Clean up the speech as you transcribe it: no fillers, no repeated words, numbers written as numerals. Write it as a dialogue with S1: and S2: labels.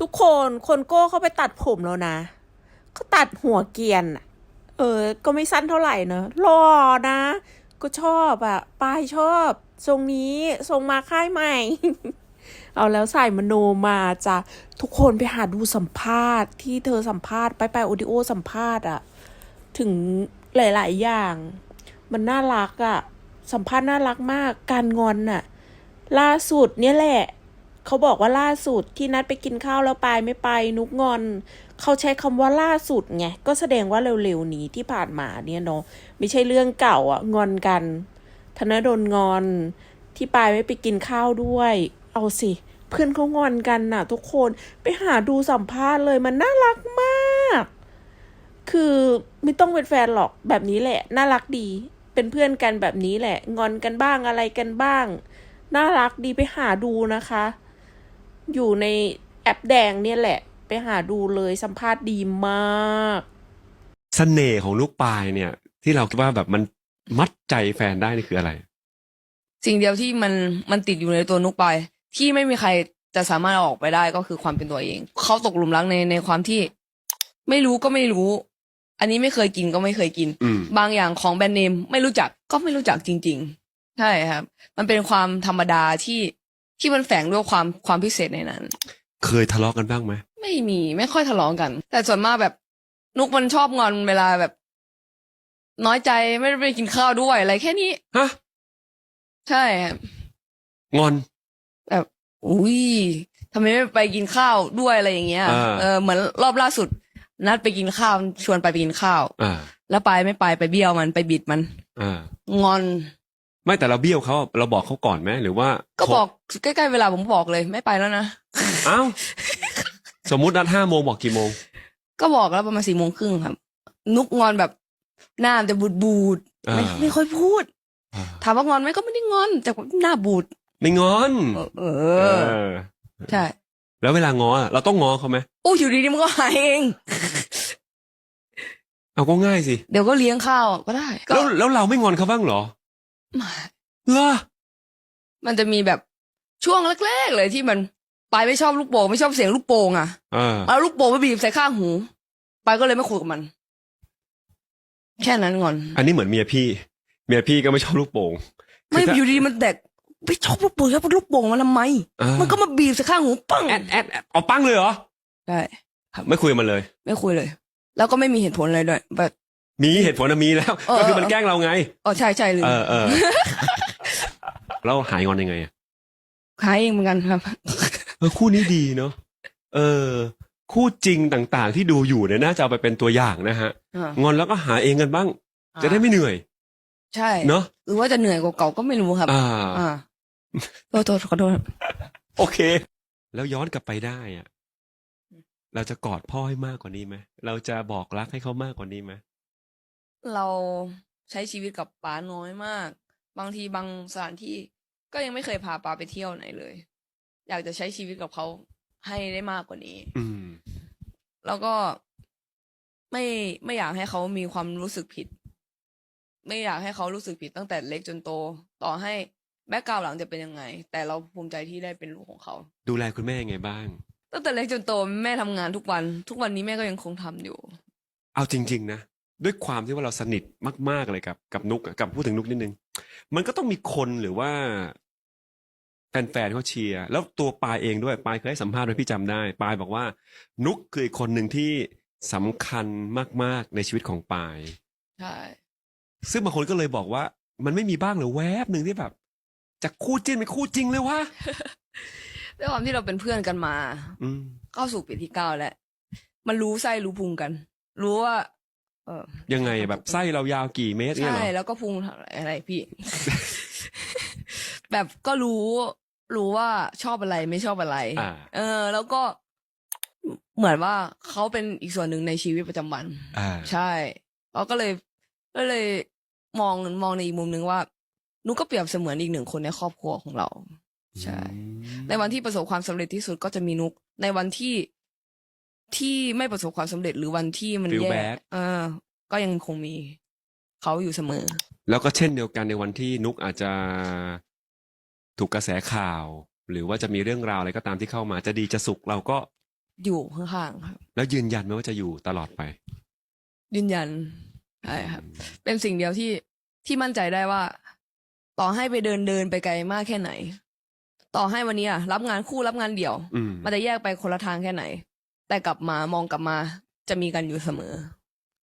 S1: ทุกคนคนโก้เข้าไปตัดผมแล้วนะเขาตัดหัวเกรียนอะก็ไม่สั้นเท่าไหร่เนอะหล่อนะก็ชอบอ่ะปายชอบทรงนี้ทรงมาค่ายใหม่ เอาแล้วใส่มโนมาจ้ะทุกคนไปหาดูสัมภาษณ์ที่เธอสัมภาษณ์ไปโอดิโอสัมภาษณ์อ่ะถึงหลายๆอย่างมันน่ารักอ่ะสัมภาษณ์น่ารักมากการงอนน่ะล่าสุดเนี่ยแหละเขาบอกว่าล่าสุดที่นัดไปกินข้าวแล้วปายไม่ไปนุกงอนเขาใช้คำว่าล่าสุดไงก็แสดงว่าเร็วๆนี้ที่ผ่านมาเนี่ยเนาะไม่ใช่เรื่องเก่าอ่ะงอนกันธนดลงอนที่ปายไม่ไปกินข้าวด้วยเอาสิเพื่อนเขางอนกันน่ะทุกคนไปหาดูสัมภาษณ์เลยมันน่ารักมากคือไม่ต้องเป็นแฟนหรอกแบบนี้แหละน่ารักดีเป็นเพื่อนกันแบบนี้แหละงอนกันบ้างอะไรกันบ้างน่ารักดีไปหาดูนะคะอยู่ในแอปแดงเนี่ยแหละไปหาดูเลยสัมภาษณ์ดีมาก
S2: เสน่ห์ของลูกปลายเนี่ยที่เราคิดว่าแบบมันมัดใจแฟนได้นี่คืออะไร
S3: สิ่งเดียวที่มันติดอยู่ในตัวนุกไปที่ไม่มีใครจะสามารถเอาออกไปได้ก็คือความเป็นตัวเองเขาตกหลุมรักในความที่ไม่รู้ก็ไม่รู้ อันนี้ไม่เคยกินก็ไม่เคยกินบางอย่างของแบรนด์เนมไม่รู้จักก็ไม่รู้จักจริงๆใช่ครับมันเป็นความธรรมดาที่มันแฝงด้วยความพิเศษในนั้น
S2: เคยทะเลาะกันบ้างไหม
S3: ไม่ค่อยทะเลาะกัน แต่ส่วนมากแบบนุกมันชอบงอนเวลาแบบ น้อยใจไม่ได้ไปกินข้าวด้วยอะไรแค่นี้
S2: ฮะ
S3: ใช่ครับ
S2: งอน
S3: แบบอุ้ยทำไมไม่ไปกินข้าวด้วยอะไรอย่างเงี้ยเหมือนรอบล่าสุด นัดไปกินข้าวชวนไปกินข้าวแล้วไปไม่ไปเบี้ยวมันไปบิดมันงอน
S2: ไม่แต่เราเบี้ยวเขาเราบอกเขาก่อนไหมหรือว่า
S3: ก็บอกใกล้ๆเวลาผมบอกเลยไม่ไปแล้วนะ
S2: อ้าวสมมุตินัด5 โมงบอกกี่โมง
S3: ก็บอกแล้วประมาณ4 โมงครึ่งครับนุกงอนแบบหน้าจะบูดไม่ค่อยพูดถามว่างอนไหมก็ไม่ได้งอนแต่หน้าบูด
S2: ไม่งอน
S3: ใช่
S2: แล้วเวลางอเราต้องงอเขาไหม
S3: อู้อยู่ดีๆมันก็หายเอง
S2: เอาก็ง่ายสิ
S3: เดี๋ยวก็เลี้ยงข้าวก็ได้
S2: แล้วเราไม่งอนเขาบ้างเหรอเหรอ
S3: มันจะมีแบบช่วงแรกๆเลยที่มันปายไม่ชอบลูกโป่งไม่ชอบเสียงลูกโป่งอ่ะเอาลูกโป่งไปบีบใส่ข้างหูปายก็เลยไม่คุยกับมันแค่นั้นงอน
S2: อันนี้เหมือนเมียพี่ก็ไม่ชอบลูกโป่ง
S3: ไม่อยู่ดีมันแตกไม่ชอบลูกโป่งแล้วลูกโป่งมันทำไมมันก็มาบีบใส่ข้างหูปัง
S2: แอดเอาปังเลยเหรอ
S3: ใช่
S2: ไม่คุยมันเลย
S3: ไม่คุยเลยแล้วก็ไม่มีเหตุผลอะไรด้วยแบบ
S2: มีเหตุผลนะมีแล้วก็คือมันแกล้งเราไง
S3: ใช่เลย
S2: แล้วหายงอนยังไง
S3: หายเองเหมือนกันครับ
S2: คู่นี้ดีเนาะคู่จริงต่างๆที่ดูอยู่เนี่ยน่าจะเอาไปเป็นตัวอย่างนะฮะงอนแล้วก็หาเองกันบ้างจะได้ไม่เหนื่อย
S3: ใช่
S2: เนาะ
S3: หรือว่าจะเหนื่อยกว่าเก่าก็ไม่รู้ครับโทษขอโทษ
S2: โอเคแล้วย้อนกลับไปได้อะเราจะกอดพ่อให้มากกว่านี้ไหมเราจะบอกรักให้เขามากกว่านี้ไหม
S3: เราใช้ชีวิตกับป๋าน้อยมากบางทีบางสถานที่ก็ยังไม่เคยพาป๋าไปเที่ยวไหนเลยอยากจะใช้ชีวิตกับเขาให้ได้มากกว่านี้แล้วก็ไม่อยากให้เขามีความรู้สึกผิดไม่อยากให้เขารู้สึกผิดตั้งแต่เล็กจนโตต่อให้แบ็คกราวด์หลังจะเป็นยังไงแต่เราภูมิใจที่ได้เป็นลูกของเขา
S2: ดูแลคุณแม่ยังไงบ้าง
S3: ตั้งแต่เล็กจนโตแม่ทำงานทุกวันนี้แม่ก็ยังคงทำอยู่
S2: เอาจริงๆนะด้วยความที่ว่าเราสนิทมากๆเลยกับนุกกับพูดถึงนุกนิดนึงมันก็ต้องมีคนหรือว่าแฟนๆเขาเชียร์แล้วตัวปายเองด้วยปายเคยให้สัมภาษณ์ไว้พี่จำได้ปายบอกว่านุกคือคนหนึ่งที่สำคัญมากๆในชีวิตของปาย
S3: ใช่
S2: ซึ่งบางคนก็เลยบอกว่ามันไม่มีบ้างหรือแวบหนึ่งที่แบบจากคู่จิ้นเป็นคู่จริงเลยวะ
S3: ด้วยความที่เราเป็นเพื่อนกันมาเข้าสู่ปีที่9แล้วมันรู้ไส้รู้พุงกันรู้ว่า
S2: ยังไงแบบไส้เรายาวกี่เมตรเนี่ยหรอ
S3: ใช่แล้วก็พุงอะไรพี่ แบบก็รู้ว่าชอบอะไรไม่ชอบอะไรแล้วก็เหมือนว่าเขาเป็นอีกส่วนหนึ่งในชีวิตประจำวันใช่เราก็เลยมองในอีกมุมนึงว่านุกก็เปรียบเสมือนอีก1 คนในครอบครัวของเราใช่ในวันที่ประสบความสำเร็จที่สุดก็จะมีนุกในวันที่ไม่ประสบความสำเร็จหรือวันที่มันแย่ก็ยังคงมีเขาอยู่เสมอ
S2: แล้วก็เช่นเดียวกันในวันที่นุกอาจจะถูกกระแสข่าวหรือว่าจะมีเรื่องราวอะไรก็ตามที่เข้ามาจะดีจะสุขเราก็
S3: อยู่ข้างๆครับ
S2: แล้วยืนยันไหมว่าจะอยู่ตลอดไป
S3: ยืนยันใช่ครับ เป็นสิ่งเดียวที่มั่นใจได้ว่า ต่อให้ไปเดินไปไกลมากแค่ไหน ต่อให้วันนี้รับงานคู่รับงานเดี่ยว มันจะแยกไปคนละทางแค่ไหน แต่กลับมามองกลับมาจะมีกันอยู่เสมอ